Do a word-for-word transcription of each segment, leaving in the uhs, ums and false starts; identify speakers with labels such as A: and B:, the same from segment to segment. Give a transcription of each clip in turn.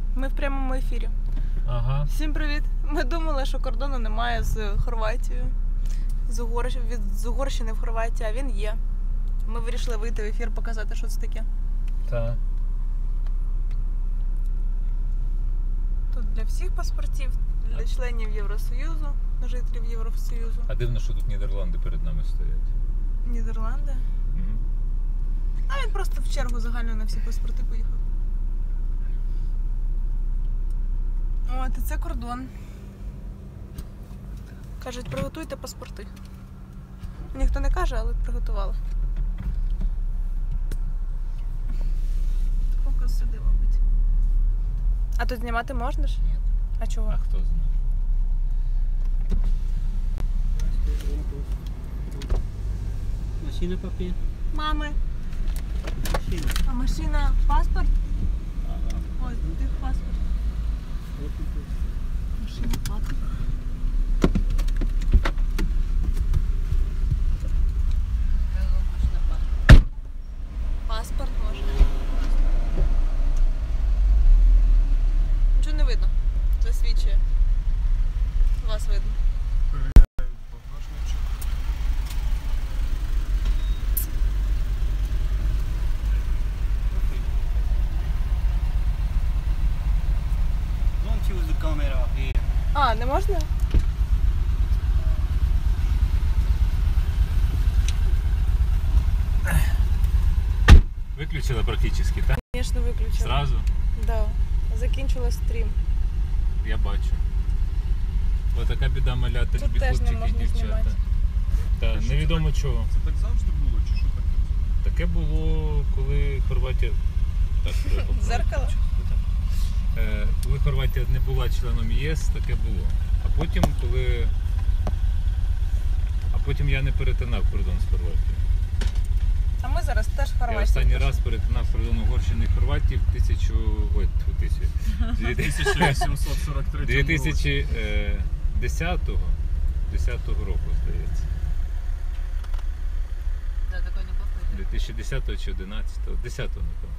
A: Ми в прямому ефірі.
B: Ага.
A: Всім привіт. Ми думали, що кордону немає з Хорватією. З, Угор... від... з Угорщини в Хорватії, а він є. Ми вирішили вийти в ефір, показати, що це таке.
B: Так.
A: Тут для всіх паспортів, для членів Євросоюзу, жителів Євросоюзу.
B: А дивно, що тут Нідерланди перед нами стоять.
A: Нідерланди?
B: Угу.
A: А він просто в чергу загальну на всі паспорти поїхав. От, і це кордон. Кажуть, приготуйте паспорти. Ніхто не каже, але приготували. Фокус сюди, мабуть. А тут знімати можна ж?
C: Ні.
A: А чого?
B: А хто знає?
C: Машина, папір?
A: Мами.
C: Машина.
A: А машина паспорт?
C: Ага.
A: Ось, тут їх паспорт.
C: От і тут.
A: Машина паспорт. Паспорт можна. Нічого не видно. Засвідчує. Вас видно.
C: Don't use the camera here.
A: А, не можна?
B: Виключила практично, так?
A: Звісно, виключила.
B: Зразу?
A: Да. Закінчила стрім.
B: Я бачу. Ось така біда малята,
A: Тут
B: любі
A: теж не
B: хлопчики і
A: можна
B: дівчата.
A: знімати.
B: Та, невідомо чого.
D: Це так завжди було, чи що таке?
B: Таке було, коли Хорватія... Так, треба поправити.
A: Зеркало?
B: Е, Коли Хорватія не була членом ЄС, таке було. А потім, коли... А потім я не перетинав кордон з Хорватією.
A: А ми зараз теж в Хорватії.
B: Я останній раз перетинав кордон Угорщини і Хорватії в тисячу... Ой, тьфу, тисячу.
D: тисяча сімсот сорок третьому
B: дві тисячі десятого десятого року, здається.
E: Да, такой неплохой.
B: дві тисячі десятого чи одинадцятого? десятого, напевно.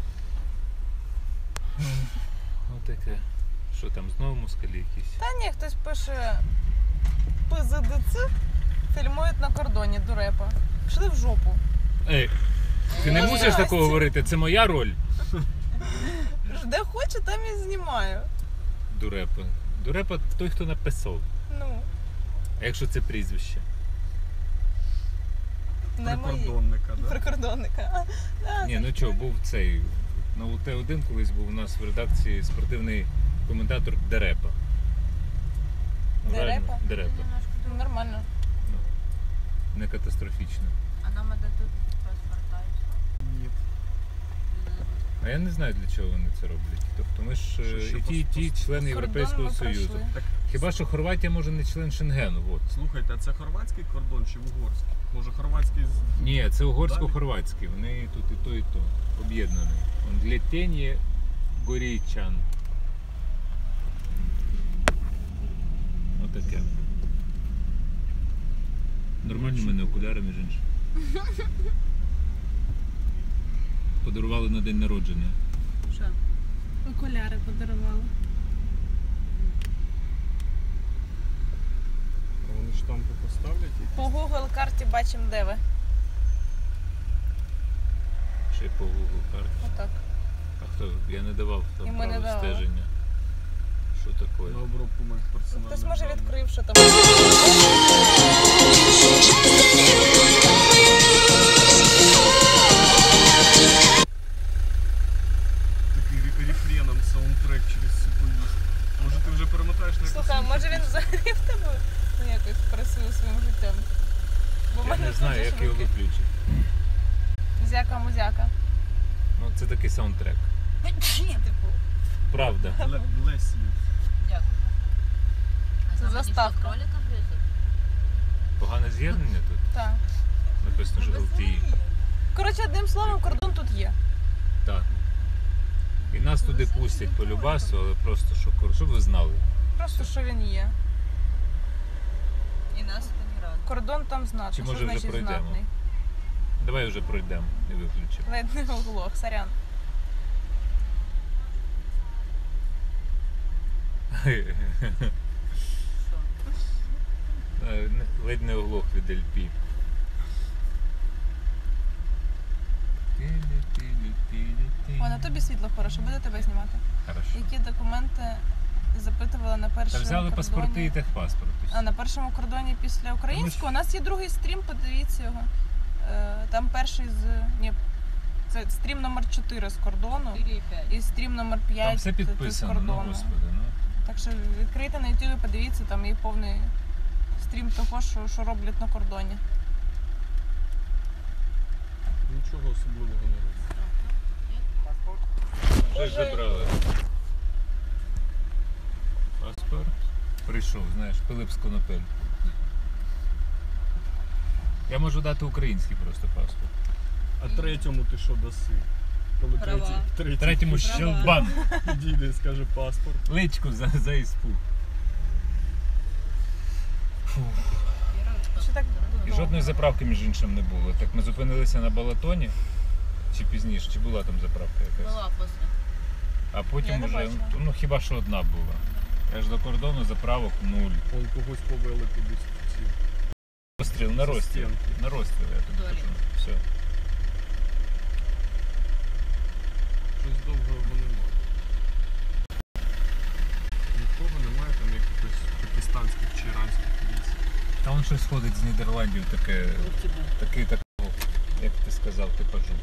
B: Отаке. Що там, знову москалі якісь?
A: Та ні, хтось пише ПЗДЦ фільмують на кордоні дурепа. Пішли в жопу.
B: Ей, ти не
A: Ну,
B: мусиш
A: здрасте.
B: такого говорити, це моя роль.
A: Де хочу, там і знімаю.
B: Дурепа. Дурепа той, хто написав.
A: Ну,
B: А якщо це прізвище?
A: не мої.
D: Прикордонника, да?
A: Прикордонника. А, да,
B: Ні, ну чого, був цей. На У Т один колись був у нас в редакції спортивний коментатор Дерепа. Ну, реально,
A: Дерепа?
B: Дерепа.
E: Немножко
A: ну,
E: другое.
A: нормально.
B: Не катастрофічно.
E: А нам дадут паспорта и все?
D: Ні.
B: А я не знаю, для чого вони це роблять. Тобто ми ж е,
D: Що, що
B: і ті, і ті
D: пос-
B: члени Європейського
A: Кордон ми
B: Союзу.
A: пройшли.
D: Так,
B: Хіба що Хорватія може не член Шенгену, от.
D: слухайте, а це хорватський кордон чи угорський? Може хорватський з...
B: Ні, це угорсько-хорватський. Вони тут і то, і то. Об'єднані. Он Лєтєнє Горійчан. Отаке. Нормальні в мене окуляри, між іншим. Подарували на день народження.
E: Что?
A: Окуляри подарували.
D: А вони штампи поставлять? і-
A: По Google карті бачимо, де ви.
B: Ще й по Google карті.
A: Отак.
B: А хто? Я не давав
A: І
B: там
A: ми не
B: право
A: давали.
B: стеження. Що таке?
D: На обробку моїх персональних
A: Хтось може
D: даних.
A: відкрив, що там.
D: Такий рі- рефреном саундтрек через всю поїзд. Може ти вже перемотаєш на якусь
A: Слухай, а
D: іншу
A: може він
D: пісню?
A: взагалі в тебе ну, якось працює своїм життям? Бо в
B: Я
A: мене
B: не
A: тут
B: знаю,
A: же
B: як
A: ж
B: його
A: руки.
B: виключити.
A: Музяка-музяка.
B: Ну, це такий саундтрек.
A: Типу,
B: Правда.
D: Ле- Bless you.
E: Дякую. А
A: Це
E: там они
A: заставка.
E: что, кролика везут?
B: Погане з'єднання тут.
A: так.
B: Написано, що жовтіє.
A: Коротше, одним словом, кордон тут є.
B: Так. І нас туди пустять по любасу, але просто щоб, щоб ви знали.
A: Просто що він є.
E: И нас это не радует.
A: Кордон там знатний.
B: Чи, може,
A: що
B: вже
A: значить
B: пройдемо?
A: знатний?
B: Давай вже пройдемо і виключимо.
A: Ледь не оглох, сорян.
B: Е, не- Ледь не оглох від ел пі.
A: О, на тобі світло хороше, буде тебе знімати.
B: Хорошо.
A: Які документи запитували на
B: Та
A: першому
B: взяли
A: кордоні?
B: паспорти і техпаспорт.
A: А на першому кордоні після українського у нас є другий стрім, подивіться його. Е, Там перший з. Ні, це стрім номер чотири з кордону
E: четыре и пять.
A: і стрім номер п'ять
B: Там все
A: з
B: підписано, ну
A: кордону.
B: господи, ну.
A: Так що відкрийте на ютубі, подивіться, там є повний стрім того, що, що роблять на кордоні.
D: Нічого особливого не робить.
B: Щось забрали. Паспорт. Прийшов, знаєш, Пилип з Конопель. Я можу дати український просто паспорт.
D: А третьому ти що даси? Коли
E: Права.
D: третій, третій
B: Третьому
E: Права.
B: щелбан.
D: підійде і скаже паспорт.
B: Личку за, за іспу. Фух.
E: Первый
A: Що так
B: І жодної заправки, між іншим, не було. Так ми зупинилися на Балатоні. Чи пізніше, чи була там заправка якась?
E: была после.
B: А
A: Я
B: потім
A: не
B: уже,
A: бачила.
B: ну хіба що одна була. Аж до кордону заправок нуль.
D: Вон когось повели кудись в ці.
B: Розстріл, на
D: Зі
B: розстріл.
D: стінки.
B: На розстріл, я тобі
E: Долі.
B: кажу. Все.
D: Щось довгого немає. Нікого немає там якихось пакистанських чи іранських військ.
B: Та он щось ходить з Нідерландів, таке,
E: У тебя.
B: такий такого, як ти сказав, типажу.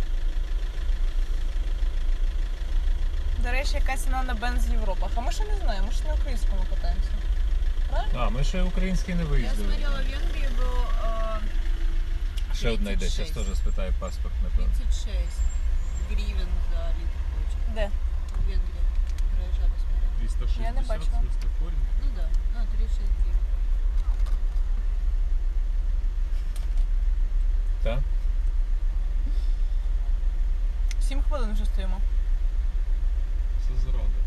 A: До речі, яка ціна на бенз в Європах. А ми ще не знаємо, ми ще на українському катаємося. Правильно?
B: А, ми ще український не
E: Я
B: виїздили.
E: смотрела в Венгрии был э,
B: Ще одна йде, зараз
E: тридцать
B: теж спитаю паспорт, напевно.
E: тридцать шесть гривен за литр получил.
A: Де?
E: В Венгрии. Проезжали, смотрела.
D: триста
A: Я не
D: шістдесят
A: бачила.
D: смислі корінь.
E: Ну да, ну тридцать шесть гривен.
B: Так?
A: Сім хвилин вже стоїмо.
D: Це зрада.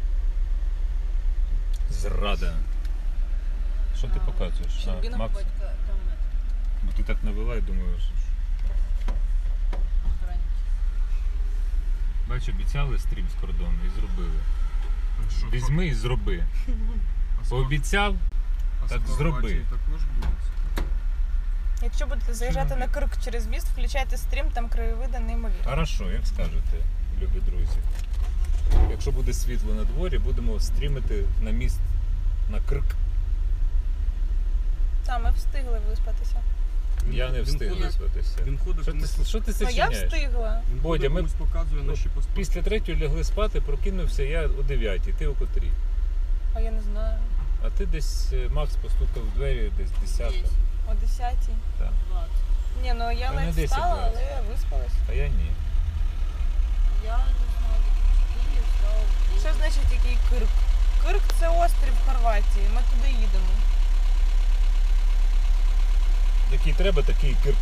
B: Зрада. Що ти
E: А,
B: показуєш? А,
A: Щербина
B: Макс?
E: Батька там это,
B: Бо ти так навела і думаю, що... ж.
E: охранники.
B: Бач, обіцяли стрім з кордону і зробили.
D: А що,
B: Візьми і зроби.
D: а з Хор-
B: Пообіцяв,
D: а з
B: так
D: Хорватії
B: зроби.
D: також буде.
A: Якщо будете заїжджати на Крк через міст, включайте стрім, там краєвиди неймовірні.
B: Хорошо, як скажете, любі друзі. Якщо буде світло на дворі, будемо стрімити на міст на Крк.
A: Та, ми встигли виспатися.
D: Він
B: Я
D: ход-
B: не
D: він
B: встиг
D: ходить-
B: виспатися.
D: Він ходить,
B: Що
D: комусь-
B: ти, що ти
A: Ну я
B: сочиняєш?
A: встигла.
D: він
B: Бодя,
D: ходить,
B: ми-
D: комусь показує наші паспорти.
B: Після третьої лягли спати, прокинувся я о дев'ятій, ти о котрій.
A: А я не знаю.
B: А ти десь, е, Макс постукав в двері, десь десята.
E: Десять,
A: О десятій.
E: двадцать.
A: Ні, ну я
B: Та не
A: ледь
B: десять,
A: встала,
B: двадцять.
A: але я виспалась.
B: А я ні.
E: Я заснула в четыре, встала в девять.
A: Що значить який Кирк? Кирк це острів в Хорватії, ми туди їдемо.
B: Який треба, такий Кирк.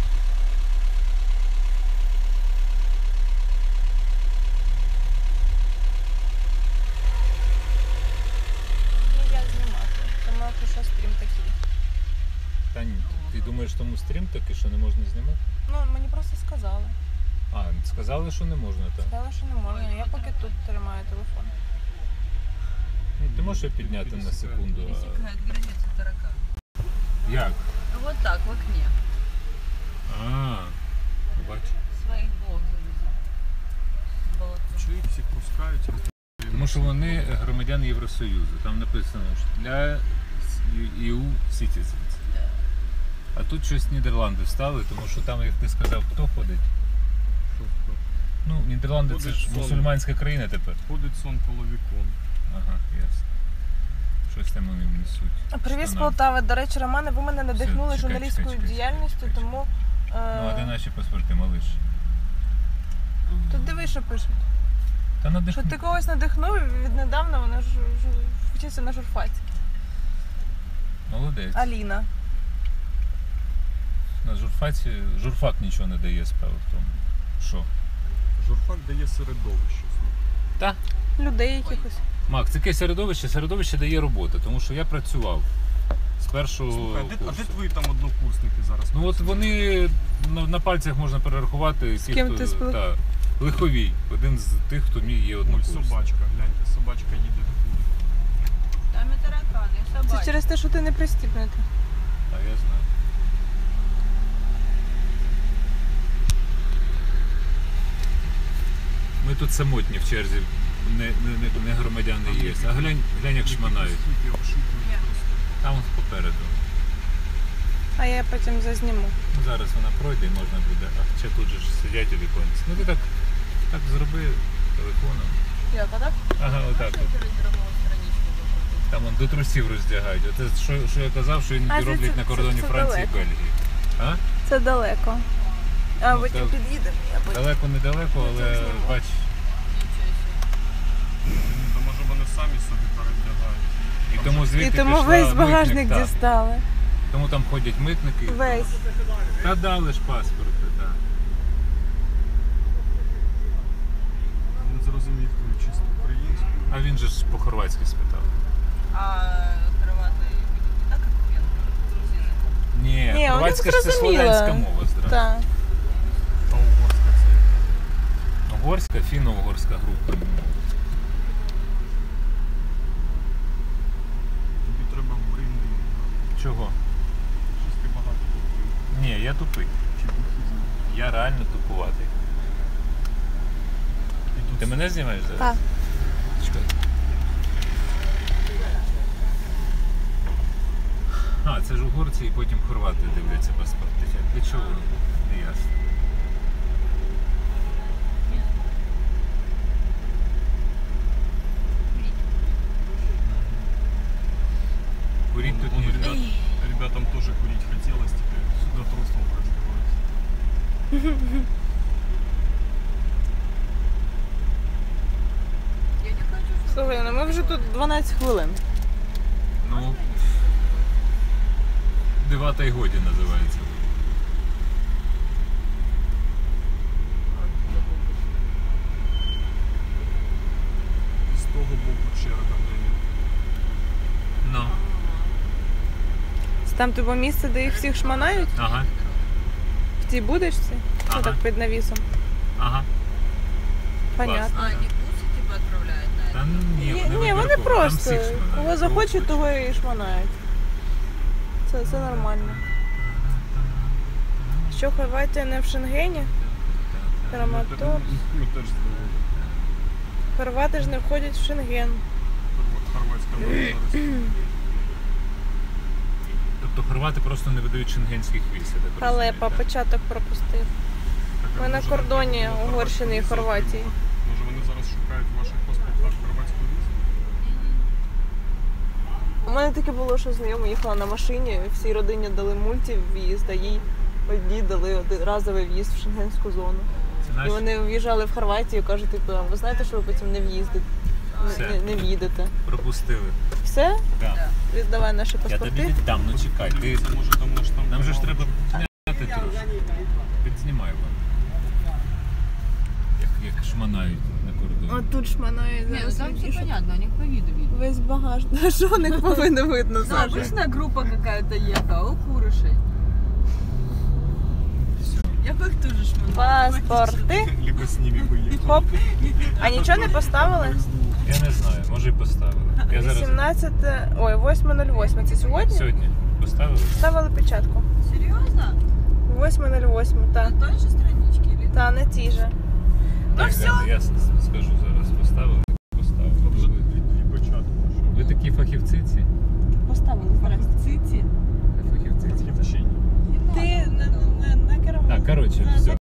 A: Ну я знімати. Тому що стрім такий.
B: Та ні, ти думаєш, тому стрім такий, що не можна знімати?
A: Ну, мені просто сказали.
B: А, сказали, що не можна так.
A: Сказали, що не можна. Я поки тут тримаю телефон.
B: Ну, ти можеш його підняти на секунду? а-
E: Пересекает границу таракан.
B: Як?
E: Вот так, в окне.
B: А, бач.
E: Своих блок завезли. Болото.
D: Чи їх всіх пускають?
B: Тому що вони громадяни Євросоюзу. Там написано, що для і ю citizens.
E: Да.
B: А тут щось Нідерланди встали, тому що там, як ти сказав, хто ходить?
D: Що, хто?
B: Ну, Нідерланди це
D: Ходить
B: ж
D: сон.
B: мусульманська країна тепер.
D: Ходить сон коло вікон.
B: Ага, ясно. Щось там вони несуть.
A: Привіт з
B: Штанам.
A: Полтави. До речі, Романе, ви мене надихнули
B: чекай,
A: журналістською
B: чекай, чекай,
A: діяльністю,
B: чекай, чекай.
A: тому е,
B: Ну, а де наші паспорти, малиш?
A: тут диви, що пишуть.
B: Та
A: Що
B: надихни.
A: ти когось надихнув і віднедавна вона ж, ж вчиться на журфаці.
B: Молодець.
A: Аліна.
B: На журфаці журфак нічого не дає, справа в тому. Що?
D: Журфак дає середовище.
B: Та?
A: Людей якихось.
B: Макс, таке середовище, середовище дає роботи, тому що я працював з першого
D: Слухай, а де, а
B: курсу.
D: де твої там однокурсники зараз?
B: Ну от вони на, на пальцях можна перерахувати ті,
A: ким
B: хто
A: ти спіл-
B: та, Лиховій, один з тих, хто мій є
D: Ой,
B: однокурсник.
D: собачка, гляньте, собачка їде до туди.
E: Я все
A: Це
E: бачу.
A: через те, що ти не пристібнута.
B: А я знаю. Ми тут самотні в черзі, не, не, не, не громадяни є. А глянь, глянь, як шманають.
D: Скільки обшукують просто.
B: Там ось попереду.
A: А я потім зазніму.
B: Ну, зараз вона пройде і можна буде. А ще тут же ж сидять у віконці. Ну ти так, так зроби телефоном.
A: Як, а так?
B: Ага, отак.
E: Можна
B: От.
E: телеграмову страничку викрутити?
B: Там он до трусів роздягають. Оце що, що я казав, що іноді
A: А, це-
B: роблять
A: це-
B: на
A: це-
B: кордоні
A: це
B: Франції і
A: далеко.
B: Бельгії. А?
A: Це далеко. А
B: Ну,
A: потім
B: так.
A: під'їдемо. Я потім.
B: Далеко недалеко, але
A: Нічого зніму.
B: бач,
E: Нічого собі.
D: Ну, то може вони самі собі передягають.
B: і тому
A: І
B: звідти
A: тому
B: пішла
A: весь
B: митник,
A: багажник
B: так.
A: дістали.
B: Тому там ходять митники.
A: Весь.
B: Та дали ж паспорти, так.
D: Не зрозумів твою чисто українську.
B: А він же ж по-хорватськи спитав.
E: А кровати не так, як венгри, з язиком?
B: Ні,
A: Ні,
B: хорватська
A: вони
B: ж це
A: зрозуміли.
B: слов'янська мова зразу.
A: Так.
D: А угорська це яка?
B: Угорська, фіно-угорська група.
D: Тобі треба в Брин.
B: Чого?
D: Щось ти багато купив.
B: Ні, я тупий.
D: Чи бухізм.
B: Я реально тупуватий.
D: І тут
B: Ти мене знімаєш зараз?
A: Так.
B: Чекай. А, це ж угорці і потім хорвати дивляться паспорти. Для чого? Не ясно. Курить тут
D: Вон
B: нельзя.
D: ребят, ребятам тоже курить хотелось, теперь сюда тростом раздеваются.
E: Я не хочу, щоб...
A: Слухай, ну ми вже тут дванадцять хвилин.
B: Ну, дива та й годі називається.
D: І з того боку черга, блин.
B: Ну,
A: Це там типу місце, де їх всіх шманають?
B: ага,
A: В цій будочці?
B: Ага.
A: Отак під навісом.
B: ага.
A: Понятно.
E: А, не бусы типа отправляют на
B: Та
E: это?
B: ні,
A: Ні,
B: вони
A: ні, вони
B: вибірково, там
A: просто
B: всіх шманають,
A: кого
B: кого
A: захочуть,
B: хочуть.
A: того і шманають. Це, це нормально. Що Хорватія не в Шенгені? Краматор.
D: Ми теж здивовані.
A: Хорвати ж не входять в Шенген.
D: Хорва- Хорватська народна.
B: Тобто хорвати просто не видають шенгенських віз, я так розумію,
A: Халепа,
B: так?
A: початок пропустив. Ми на кордоні Угорщини і Хорватії.
D: Може вони зараз шукають в ваших паспортах хорватську візу?
A: У мене таке було, що знайома їхала на машині, всій родині дали мульті в'їзд, а їй одній дали один разовий в'їзд в шенгенську зону.
B: Це
A: І
B: наші?
A: вони в'їжджали в Хорватію, кажуть, типу, ви знаєте, що ви потім не в'їздите,
B: Все.
A: не, не, не в'їдете.
B: Пропустили.
A: Все?
B: Так.
A: Віддавай наші
B: Я тобі
A: паспорти.
B: віддам, ну чекай. Ти...
D: Це може там наш там.
B: Нам же ж треба підняти трошки. Підзнімай вам. Як, як шманають на кордоні.
A: От тут шманають
E: Не, ну
A: зараз.
E: там все
A: вішать.
E: понятно, у них по виду видно.
A: Весь багаж. Та що у них повинно видно,
E: Ну,
A: Саша?
E: обычная группа какая-то ехала, у курышей.
B: Все.
E: Я бы их тоже шманула.
A: Паспорти.
D: Либо з ними поїхали.
A: Хоп. А нічого не поставили?
B: Я не знаю, може і поставили. Я зараз
A: вісімнадцяте, ой, восьме нуль восьме. Це сьогодні?
B: сьогодні поставили.
A: Ставили печатку.
E: Серьезно?
A: восьме нуль восьме, так.
E: На той же страничке или?
A: Та, не ті же.
B: Так,
A: все.
B: Ганна, я с- скажу зараз. Поставили. Поставили.
D: Вже
B: Ви,
D: дві, дві початку.
B: ви такі фахівці ці?
A: Поставили, здрасте.
E: Цити.
B: Фахівці ці.
D: Такі вчені.
A: Ти на, на, на кермо.
B: Так, коротше, все.